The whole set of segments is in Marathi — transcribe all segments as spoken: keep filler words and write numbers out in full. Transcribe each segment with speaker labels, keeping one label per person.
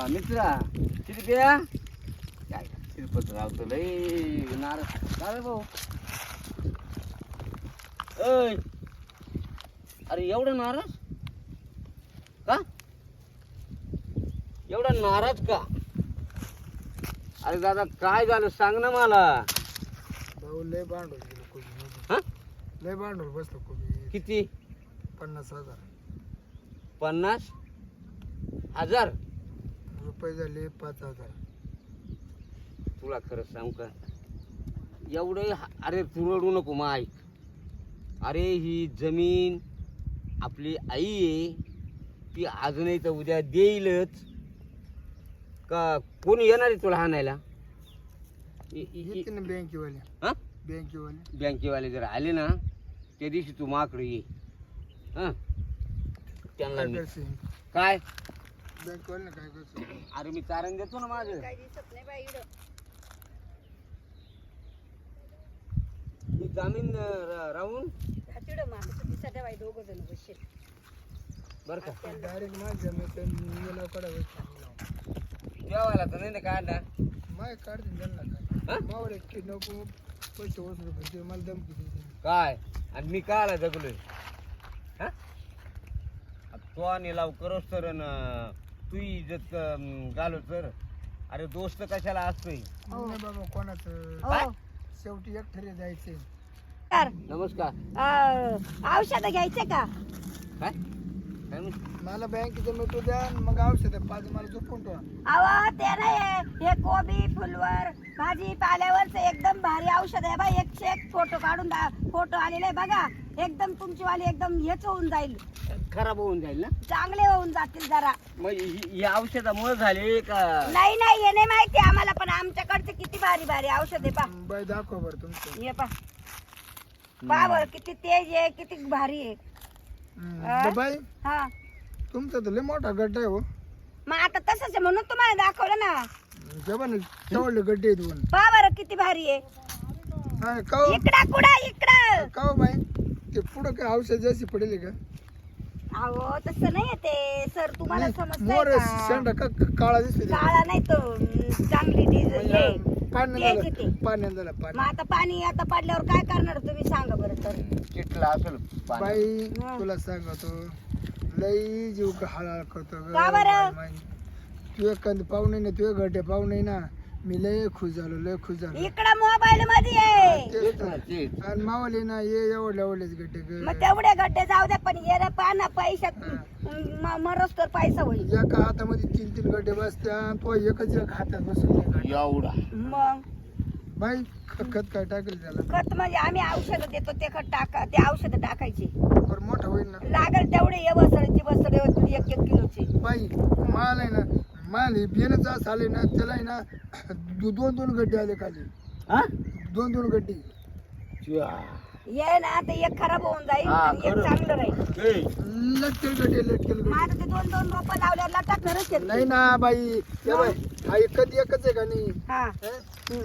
Speaker 1: मित्रा शिरप्या काय शिरपत रावतो लय नाराज काय रे भाऊ. अय अरे एवढा नाराज का एवढा नाराज का. अरे दादा काय झालं सांग ना मला.
Speaker 2: भाऊ लय भांडवल गेलं कोबी.
Speaker 1: हा
Speaker 2: लय भांडवल बसलं कोबी.
Speaker 1: किती.
Speaker 2: पन्नास हजार
Speaker 1: पन्नास हजार
Speaker 2: रुपये झाले पाच हजार.
Speaker 1: तुला खरं सांगू का एवढे. अरे तू रडू नको मग ऐक. अरे ही जमीन आपली आई आहे ती अजूनही तर उद्या देईलच का. कोणी येणार आहे तुला हाणायला.
Speaker 2: येते ना बँकेवाले.
Speaker 1: हा
Speaker 2: बँकेवाले
Speaker 1: बँकेवाले जर आले ना त्या दिवशी तू माकडे ये. हा त्यांना
Speaker 2: काय
Speaker 1: मी
Speaker 2: करशील?
Speaker 1: काय.
Speaker 2: बँकेवाले काय करशील?
Speaker 1: अरे मी चारण देतो ना माझं.
Speaker 3: काही दिसत नाही बाई इकडं.
Speaker 1: ही जामीन र- राहून
Speaker 3: हा तिकडं माणसं दिसत आहे बाई दोघं जण बसशील.
Speaker 1: बर का
Speaker 2: डायरेक्ट माझ्या मी काढावं.
Speaker 1: जेवायला तर नाही ना काढला.
Speaker 2: माय काढते त्यांना
Speaker 1: हा?
Speaker 2: काय मावर एक की नको पैसे वसूल पाहिजे मला धमकी देते.
Speaker 1: काय आणि मी काय आला जगलोय. हा तो आणि लाव करोस तर तू इज्जत घालो तर. अरे दोस्त कशाला असतोय.
Speaker 2: नाही बाबा कोणाचं
Speaker 1: काय?
Speaker 2: शेवटी एकठरे जायचे.
Speaker 3: तर,
Speaker 1: नमस्कार.
Speaker 3: अं, औषधं घ्यायचे का.
Speaker 1: काय काय म्हणते?
Speaker 2: मला बँकेचं मिटू द्या आणि मग औषध पाच मला झोपून ठेवा.
Speaker 3: अहो ते नाही हे कोबी फुलवर भाजी पाल्यावरच एकदम भारी औषध आहे बाई. एकशे एक फोटो काढून दा फोटो आलेले आहे बघा. एकदम तुमची वाली एकदम हेच होऊन जाईल.
Speaker 1: खराब होऊन जाईल ना.
Speaker 3: चांगले होऊन जातील जरा.
Speaker 1: मग ही- ही औषधामुळे झाले का.
Speaker 3: नाही नाही हे नाही माहिती आम्हाला पण आमच्याकडचे किती भारी भारी औषध आहे पा.
Speaker 2: बाई दाखव बरं तुमचं.
Speaker 3: हे पा पा बर किती तेज आहे किती भारी आहे.
Speaker 2: हम्म.
Speaker 3: आ?
Speaker 2: बाई
Speaker 3: हा
Speaker 2: तुमचा तर लय मोठा गड्डा आहे हो.
Speaker 3: मग आता तसंच आहे म्हणून तुम्हाला दाखवलं ना.
Speaker 2: जेव्हा ना तेवढले गड्डे आहेत दोन.
Speaker 3: पा बरं किती भारी आहे.
Speaker 2: हा, का हो?
Speaker 3: इकडा कुडा इकडं.
Speaker 2: का हो बाई ते पुढं काय औषध जास्त पडेल का.
Speaker 3: अहो तसं नाही ते सर तुम्हाला समजतंय
Speaker 2: मोर
Speaker 3: का?
Speaker 2: शेंडा का का- काळा दिसतो ते.
Speaker 3: काळा नाही तो अं, चांगली डिझेल हे
Speaker 2: म्हणजे पाण्यात
Speaker 3: तेच
Speaker 2: झालं
Speaker 3: येते.
Speaker 2: पाण्यात झालं
Speaker 3: मग
Speaker 2: पाणी.
Speaker 3: आता पाणी आता पडल्यावर काय करणार तुम्ही सांगा बरं तर.
Speaker 1: चिटला असेल पाणी.
Speaker 2: बाई
Speaker 3: हा.
Speaker 2: तुला सांगतो लई जीव का हळहळ करतो ग.
Speaker 3: का बरं?
Speaker 2: बाई, तू एक कंद पाहुणे ना तू गड्डे पाहुणे ना मी लय खुश झालो लय खुश झालो.
Speaker 3: इकडं मोबाईल मध्ये आहे.
Speaker 2: तेच
Speaker 1: तेच
Speaker 2: तर.
Speaker 1: ना, तेच.
Speaker 2: आणि मावली ना ये एवढले एवढेच गड्डे ग.
Speaker 3: मग तेवढे गड्डे जाऊ द्या पण ये पाना पैशात म- मरोस तर पैसा होईल.
Speaker 2: एका हातामध्ये तीन तीन गड्डे बसत्या तो एकच एक हातात बसून
Speaker 1: एवढा
Speaker 3: मग
Speaker 2: बाई ख- खत काय टाकेल त्याला
Speaker 3: खत म्हणजे आम्ही औषध देतो ते खत टाका ते औषध टाकायचे.
Speaker 2: बरं मोठा होईल ना.
Speaker 3: लागल तेवढे ये बसळची बसळ एक एक किलोची.
Speaker 2: बाई माल आहे ना माल हे बियाणं जास्त आले ना त्याला आहे ना दो- दोन दोन गड्डे आले खाली.
Speaker 1: हा
Speaker 2: दोन दोन गड्डे
Speaker 1: च्या.
Speaker 3: ये ना ते एक खराब होऊन जाईल
Speaker 1: हा,
Speaker 3: आणि एक
Speaker 1: खरं.
Speaker 3: चांगलं राहील.
Speaker 1: ए,
Speaker 2: लटकेल गड्डे लटकेल गड्डे.
Speaker 3: माझं ते दोन दोन रोपं लावल्यावर लटकणारच आहेत.
Speaker 2: नाही ना बाई या बाई हा एकच एकच आहे का नाही.
Speaker 3: हा
Speaker 2: हं?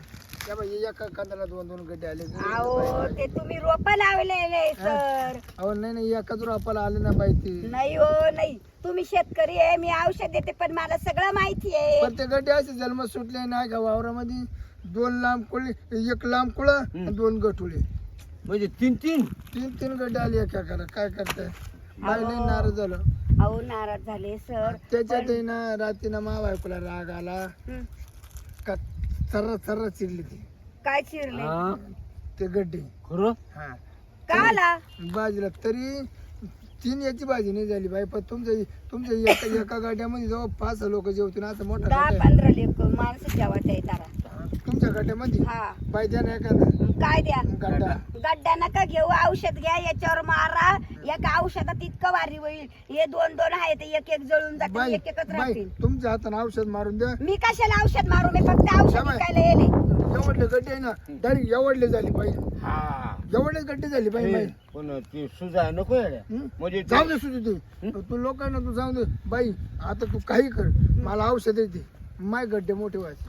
Speaker 2: या बाई एका कांद्याला दोन दोन गड्डे आले.
Speaker 3: अहो ते तुम्ही रोप लावलेले सर.
Speaker 2: अहो नाही नाही एकाच रोपाला आले ना बाई ते.
Speaker 3: नाही हो नाही तुम्ही शेतकरी आहे मी औषध देते पण मला सगळं माहिती आहे.
Speaker 2: पण ते गड्डे असे जन्म सुटले नाही का वावरामध्ये दोन लांब कुळे एक लांब कुळ
Speaker 1: हं.
Speaker 2: दोन गठुळे
Speaker 1: म्हणजे तीन तीन.
Speaker 2: तीन तीन गड्डे आले एका करा काय करताय. बाई लई नाराज झालं.
Speaker 3: अहो नाराज झाले सर.
Speaker 2: त्याच्यात ना रात्रीनं मा बायकोला राग आला
Speaker 3: हं.
Speaker 2: का सर्र सर्र चिरली ती
Speaker 3: काय चिरले
Speaker 1: हा,
Speaker 2: ते गड्डे.
Speaker 1: खरं.
Speaker 2: हा
Speaker 3: का आला.
Speaker 2: बाजीला तरी तीन याची भाजी नाही झाली बाई. पण तुमचं तुमच्या एका एका गाड्यामध्ये जवळ पाच लोक जेवतील असं मोठा
Speaker 3: दहा
Speaker 2: गाड्या आहे.
Speaker 3: पंधरा लेक माणसं जेवायचं आहे तारा.
Speaker 2: तुमच्या गाड्यामध्ये
Speaker 3: हा
Speaker 2: बाई द्या ना एखादा
Speaker 3: काय द्या
Speaker 2: गाड्या.
Speaker 3: गड्डा नका घेऊ औषध घ्या याच्यावर मारा. एका औषधात इतकं भारी होईल. हे दोन दोन आहे ते एक एक जळून जातील
Speaker 2: बाई
Speaker 3: एक एकच
Speaker 2: बाई
Speaker 3: राहतील.
Speaker 2: तुमच्या हाताने औषध मारून द्या.
Speaker 3: मी कशाला औषध मारू मी फक्त औषध
Speaker 2: शाबास.
Speaker 3: विकायला येले.
Speaker 2: एवढले गड्डे आहे ना डायरेक्ट एवढले झाली बाई.
Speaker 1: हा
Speaker 2: एवढेच गड्डे झाली बाई बाई.
Speaker 1: ए, पण ते सुजा नको येड्या.
Speaker 2: हं?
Speaker 1: म्हणजे
Speaker 2: जाऊ दे सुद्धा तू तू लोकांना तू जाऊ दे बाई. आता तू काही कर मला औषध येते माय गड्डे मोठे व्हायचे.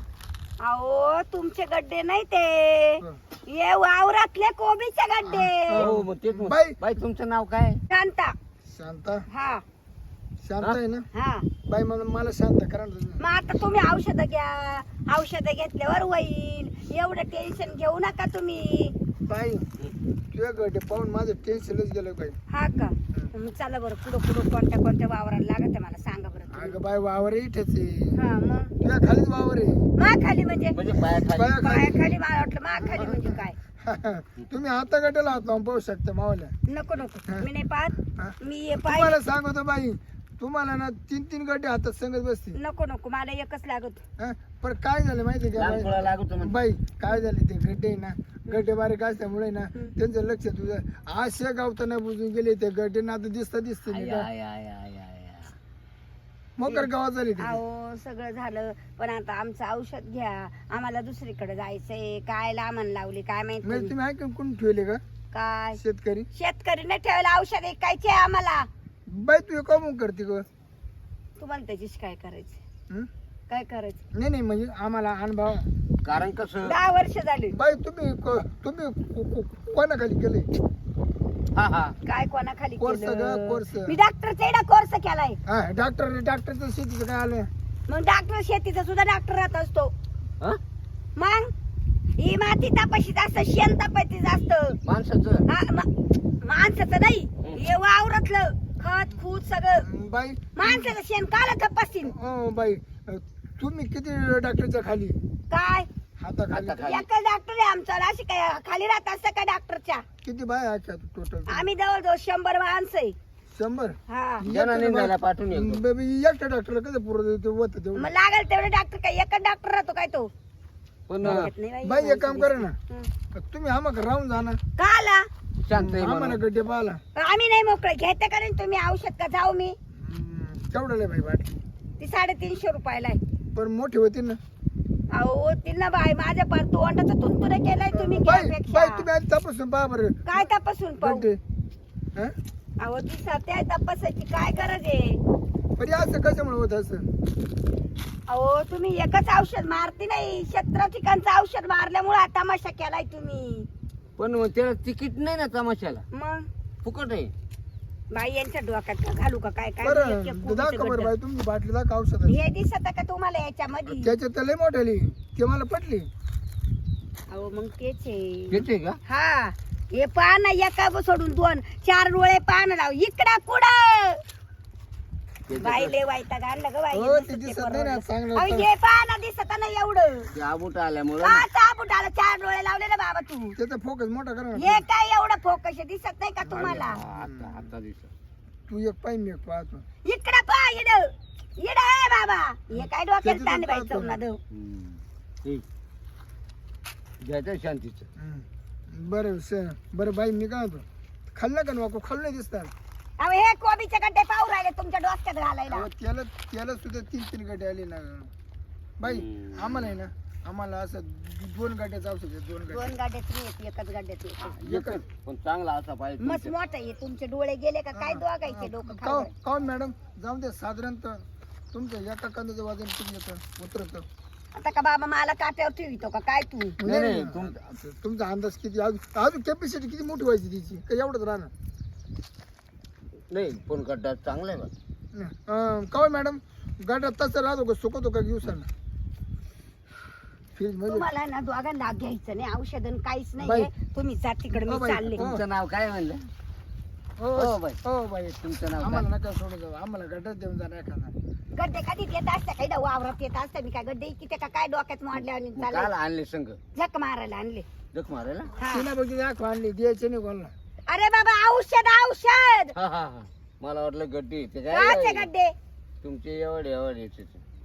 Speaker 3: अहो तुमचे गड्डे नाही ते
Speaker 2: हं.
Speaker 3: ये वावरातले कोबीचे गड्डे.
Speaker 1: हो मग तेच मग.
Speaker 2: बाई.
Speaker 1: बाई तुमचं नाव काय.
Speaker 3: शांता.
Speaker 2: शांता
Speaker 3: हा
Speaker 2: शांत
Speaker 1: हा?
Speaker 2: आहे ना
Speaker 3: हा
Speaker 2: बाई मला मला शांत करा ना तुम्ही.
Speaker 3: मग आता तुम्ही औषधं घ्या औषधं घेतल्यावर होईल एवढं टेन्शन घेऊ नका तुम्ही
Speaker 2: बाई तुझ्या गडे पाहून माझं टेन्शनच गेलं बाई.
Speaker 3: हा का मग चला बरं पुढं पुढं कोणत्या कोणत्या वावराला लागत आहे मला सांगा बरं तुम्ही.
Speaker 2: अगं बाई वावर इथेच आहे
Speaker 3: हा मग
Speaker 2: तुझ्या खालीच वावर आहे.
Speaker 3: मा खाली म्हणजे
Speaker 1: म्हणजे पायाखाली
Speaker 2: पायाखाली.
Speaker 3: पायाखाली मला वाटलं मा खाली म्हणजे काय
Speaker 2: तुम्ही आता गटाला हात लावून पाहू शकता मावाला.
Speaker 3: नको नको
Speaker 2: हा.
Speaker 3: मी नाही
Speaker 2: हा.
Speaker 3: पाहत मी हे पाय
Speaker 2: तुम्हाला सांगतो बाई तुम्हाला ना तीन तीन गड्डे हातात संगत बसतील.
Speaker 3: नको नको मला एकच लागत
Speaker 2: हा? पण काय झालं माहिती का
Speaker 1: लहान पोळा
Speaker 2: बाई?
Speaker 1: लागतो म्हणजे
Speaker 2: बाई काय झाले ते गड्डे आहे ना गड्डे बारीक असल्यामुळे ना
Speaker 3: हम्म.
Speaker 2: त्यांचं लक्ष तुझं आशे गावताना बुजून गेले ते गड्डे ना आता दिसता दिसते
Speaker 1: आय,
Speaker 2: नाही का?
Speaker 1: आय, आय, आय, आय, आय.
Speaker 2: मोकर गावात झाले ते.
Speaker 3: अहो सगळं झालं पण आता आमचं औषध घ्या आम्हाला दुसरीकडे जायचंय काय लांबण लावली काय माहिती
Speaker 2: म्हणजे तुम्ही ऐकून कोण ठेवले का
Speaker 3: काय
Speaker 2: शेतकरी?
Speaker 3: शेतकरी नाही ठेवायला औषध ऐकायचे आम्हाला
Speaker 2: बाई तू कमवून करते ग.
Speaker 3: तुम्हाला त्याच्याशी काय करायचं
Speaker 2: हं?
Speaker 3: काय करायचं
Speaker 2: नाही नाही म्हणजे आम्हाला अनुभव.
Speaker 1: कारण कसं
Speaker 3: दहा वर्ष झाली
Speaker 2: बाई तुम्ही क- तुम्ही को- को- कोणाखाली केले?
Speaker 1: हा हा
Speaker 3: काय कोणाखाली
Speaker 2: कोर्स ग,
Speaker 3: केलं
Speaker 2: कोर्स.
Speaker 3: मी डॉक्टरचा एवढा कोर्स केलाय
Speaker 2: हा डॉक्टर डॉक्टरचं शेतीचं काय आलं?
Speaker 3: मग डॉक्टर शेतीचा सुद्धा डॉक्टर राहत असतो
Speaker 1: हा?
Speaker 3: मग ही माती तपाशी जास्त शेण तपाशी जास्त
Speaker 1: माणसाचं
Speaker 3: हा, मा- माणसाचं नाही हे वावरातलं खत खूत सगळं
Speaker 2: बाई
Speaker 3: माणसाचं शेण काला तपासतील
Speaker 2: ओ बाई तुम्ही किती डॉक्टरच्या खाली
Speaker 3: काय
Speaker 2: हाताखाली
Speaker 1: हाताखाली.
Speaker 3: एकच डॉक्टर आहे आमचा अशी काय खाली राहत असतं का डॉक्टरच्या
Speaker 2: किती बाय आहे टोटल?
Speaker 3: आम्ही जवळजवळ शंभर माणसं आहे
Speaker 2: शंभर.
Speaker 3: हा
Speaker 1: ज्यांना निंदायला पाठवून येतो.
Speaker 2: बाई, एकट्या डॉक्टरला कसं पुरत होत तेवढं?
Speaker 3: मग लागेल तेवढे डॉक्टर काय एकच डॉक्टर राहतो काय तो
Speaker 1: पण
Speaker 3: डोक्यात नाही बाई.
Speaker 2: बाई एक काम करा ना
Speaker 3: हं.
Speaker 2: तुम्ही आम्हाला राहून जा ना
Speaker 3: का आला
Speaker 1: शांत आहे
Speaker 2: आम्हाला
Speaker 1: म्हणून.
Speaker 2: गड्डे पाहाला.
Speaker 3: आम्ही नाही मोकळे घेते का नाही तुम्ही औषध का जाऊ मी
Speaker 2: केवढं लय बाई बाट
Speaker 3: ती साडेतीनशे रुपयाला आहे
Speaker 2: पण मोठी होती ना
Speaker 3: अहो तिला बाई माझ्या पार तोंडाचा तुंतुरे केलाय तुम्ही
Speaker 2: बाई
Speaker 3: घ्यापेक्षा.
Speaker 2: बाई तुम्ही आधी तपासून पहा बरं
Speaker 3: काय तपासून पाहू
Speaker 2: गड्डे. हं?
Speaker 3: अहो ती सत्या तपासायची काय गरज आहे
Speaker 2: पण हे असं कशामुळे होत असं?
Speaker 3: अहो तुम्ही एकच औषध मारती नाही सतरा ठिकाणचं औषध मारल्यामुळे हा तमाशा केलाय तुम्ही
Speaker 1: पण मग त्याला तिकीट नाही ना तमाशाला
Speaker 3: मग
Speaker 1: फुकट आहे.
Speaker 3: बाई यांच्या डोक्यात का घालू का काय काय
Speaker 2: बरं
Speaker 3: एक- एक कोबीचं
Speaker 2: दाखव बरं
Speaker 3: गड्डं.
Speaker 2: बाई तुमची बाटली दाखव औषध
Speaker 3: हे दिसत का तुम्हाला याच्यामध्ये
Speaker 2: त्याच्यात तर लय मोठ्याली ते मला पटली.
Speaker 3: अहो मग तेच आहे
Speaker 1: येते का
Speaker 3: हा हे पान एका सोडून दोन चार डोळे पान लाव इकडं कुठं
Speaker 1: त्याचं
Speaker 3: बाई
Speaker 1: कसं-
Speaker 3: लय वाईटाग आणलं ग बाई
Speaker 2: हो,
Speaker 3: हे
Speaker 2: ते
Speaker 3: दिसत
Speaker 2: दिसत
Speaker 3: ते
Speaker 2: नाही ना,
Speaker 3: परवडलं.
Speaker 2: चांगलं
Speaker 3: अहो,
Speaker 2: होतं.
Speaker 3: हे पान दिसत ना एवढं
Speaker 1: ते आबूट आल्यामुळं
Speaker 3: का चाबूट आलं चार डोळे लावले ना बाबा तू
Speaker 2: त्याचा फोकस मोठा करा ना.
Speaker 3: हे काय एवढं फोकस आहे, दिसत नाही का तुम्हाला
Speaker 1: हा, आता आता दिसत.
Speaker 2: तू एक पाय मी एक पाहतो.
Speaker 3: इकडं पा इड इड आहे बाबा हे काय डोक्यात
Speaker 2: त्याचं
Speaker 3: ताण
Speaker 2: तर
Speaker 3: बाई
Speaker 2: पाहतो.
Speaker 3: चौना दव
Speaker 1: हम्म. ठीक. घ्यायचं शांतीचं.
Speaker 2: हं. बरं स- बरं बाई मी काय होतो खाल्लं का नको खाल्लं नाही दिसतात.
Speaker 3: अहो हे कोबीचे गड्डे पाहू राहिले तुमच्या डोक्यात घालायला
Speaker 2: अहो, त्याला त्याला सुद्धा तीन तीन गाड्या आली ना बाई
Speaker 1: हम्म.
Speaker 2: आम्हाला आहे ना आम्हाला असं दोन गाड्याचं औषध आहे, दोन गाड्या
Speaker 3: दोन गाड्यात नाही येत, एकच गाड्यात येते
Speaker 1: एकच, पण चांगला असा पाहिजे
Speaker 3: मस्त
Speaker 1: तुमच्या.
Speaker 3: मोठं आहे तुमचे डोळे गेले का काय दोघायचे डोकं
Speaker 2: का
Speaker 3: खाऊ
Speaker 2: काऊन मॅडम जाऊन दे साधारणतः तुमचं एका कांद्याचं वजन किती येतं उतरतं?
Speaker 3: आता का बाबा मला काट्यावर ठेवितो का काय तू
Speaker 1: नाही,
Speaker 2: नाही,
Speaker 1: नाही,
Speaker 2: नाही.
Speaker 1: तुम-
Speaker 2: तुमचा अंदाज किती अजून अजून कॅपॅसिटी किती मोठी व्हायची तिची का एवढंच राहणार?
Speaker 1: नाही पण गड्डा चांगला आहे बा.
Speaker 2: अं, का मॅडम गाड्या तसं राहतो का सुकवतो का दिवसानं फ्रीज मध्ये?
Speaker 3: तुम्हाला ना दोघांना घ्यायचं नाही औषधन काहीच
Speaker 2: बाई.
Speaker 3: नाही तुम्ही जा तिकडे
Speaker 2: हो
Speaker 3: मी
Speaker 2: बाई,
Speaker 3: चालले
Speaker 2: हो.
Speaker 1: तुमचं नाव काय म्हणलं?
Speaker 2: हो
Speaker 1: हो बाई.
Speaker 2: हो बाई
Speaker 1: तुमचं नाव
Speaker 2: आम्हाला
Speaker 1: काय?
Speaker 2: नका सोडू जाऊ आम्हाला गड्यात देऊन जा एखादा.
Speaker 3: गड्डे कधी येत असते काही वावरात येत असते मी काय गड्डे किती का काय डोक्यात मोडले आणि
Speaker 1: मग काल
Speaker 3: चालले
Speaker 1: आणले संघ
Speaker 3: झक मारायला आणले
Speaker 1: जख मारायला.
Speaker 3: हा.
Speaker 2: तिला बघितली दाखव आणली द्यायचे नाही कोणाला.
Speaker 3: अरे बाबा औषध औषध
Speaker 1: हा हा हा मला वाटलं गड्डी ते
Speaker 3: काचे
Speaker 1: काय
Speaker 3: गड्डे
Speaker 1: तुमचे एवढे एवढे ते.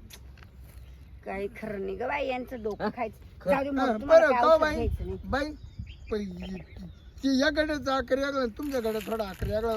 Speaker 3: काही खरं नाही ग बाई यांचं डोकं
Speaker 1: हा?
Speaker 3: खायचं
Speaker 1: खरं.
Speaker 3: जाऊ दे मग,
Speaker 2: हं,
Speaker 3: तुम्हाला
Speaker 2: बरं
Speaker 3: काही
Speaker 2: का
Speaker 3: औषध
Speaker 2: बाई
Speaker 3: घ्यायचं नाही.
Speaker 2: बाई पण ती या गड्याचा आकार वेगळा तुमच्या गड्यात थोडा आकार वेगळा.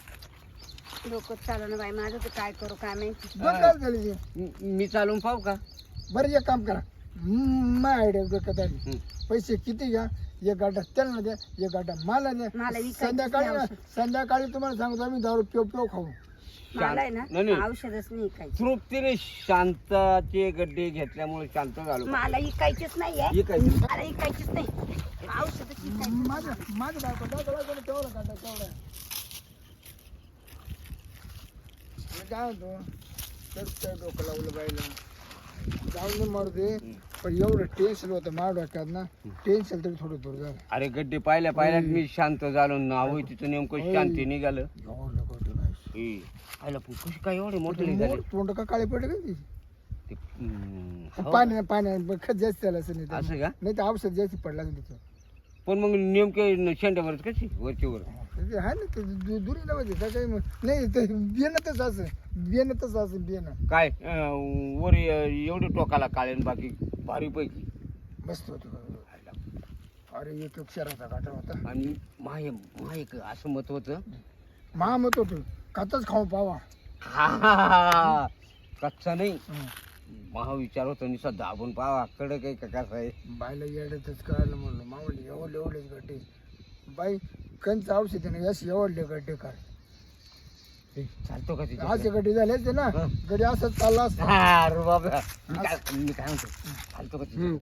Speaker 3: डोकं चालू ना बाई माझं तर काय करू काय माहिती
Speaker 2: दोन काय झाली ती?
Speaker 1: मी- मी चालून पाहू का?
Speaker 2: बरं एक काम करा माय आयडिया डोक्यात आली
Speaker 1: हं.
Speaker 2: पैसे किती घ्या एक गाडा त्यांना द्या एक गाडा मला द्या
Speaker 3: मला विकायचंच
Speaker 2: संध्याकाळी
Speaker 3: नाही
Speaker 2: ना
Speaker 3: औषध.
Speaker 2: संध्याकाळी तुम्हाला सांगतो आम्ही दारू पिऊ पिऊ खाऊ.
Speaker 3: मला आहे ना
Speaker 1: नाही, नाही.
Speaker 3: औषधच नाही काही
Speaker 1: तृप्तीने शांताचे गड्डे घेतल्यामुळे शांत झालो.
Speaker 3: मला इकायचीच नाहीये
Speaker 1: इकायची?
Speaker 3: मला इकायचीच नाही औषधच इकायची
Speaker 2: माझ्या माझ्या बायको दाखवा तेवढा गाडा तेवढा काय होतो तर काय डोकं लावलं बाईला जाऊन दे मारते पण एवढं टेन्शन होतं मार डोक्यात ना टेन्शन तरी थोडं दूर झालं.
Speaker 1: अरे गड्डे पाहिल्या पाहिल्यात मी शांत झालो नाव तिथं नेमकं शांती निघालं
Speaker 2: एवढं गोष्ट नाही.
Speaker 1: ए, आयला पण कशी काय एवढे मोठे झाले
Speaker 2: तोंड का काळे पडले का ती
Speaker 1: ते, हम्म, हो.
Speaker 2: पाणी पाणी खत जास्त झालं असं नाही तर.
Speaker 1: असं का
Speaker 2: नाही तर औषध जास्त पडला असेल तिथं
Speaker 1: पण मग नेमके शेंड्यावरच कशी वरची वर
Speaker 2: ते आहे ना ते दु- दुरी लावायचे त्या काही मग- नाही ते बियाणंच असं बियाणंच असं बियाणं
Speaker 1: काय अं, वर ए- एवढे टोकाला काळे आणि बाकी भारी पैकी
Speaker 2: मस्त होतं अरे एक एक शहराचा काटा होता
Speaker 1: आणि माय माय एक असं मत होतं
Speaker 2: महा मत होतं कातच खाऊ पावा
Speaker 1: हा, हा, हा. कच्चा नाही
Speaker 2: हं.
Speaker 1: महा विचार होता निसा दाबून पावा कडक आहे का कसं आहे
Speaker 2: बाईला येड्यातच कळालं म्हणलं मावली एवढले एवढेच गड्डे बाई कंच औषध आहे ना यश एवढले गड्डे काय
Speaker 1: ए, चालतो का तिथे
Speaker 2: असे गड्डे झाले असते ना
Speaker 1: हं.
Speaker 2: गड्डे असंच चालला असता
Speaker 1: अरे बाबा मी काय मी काय म्हणतो चालतो का तिथे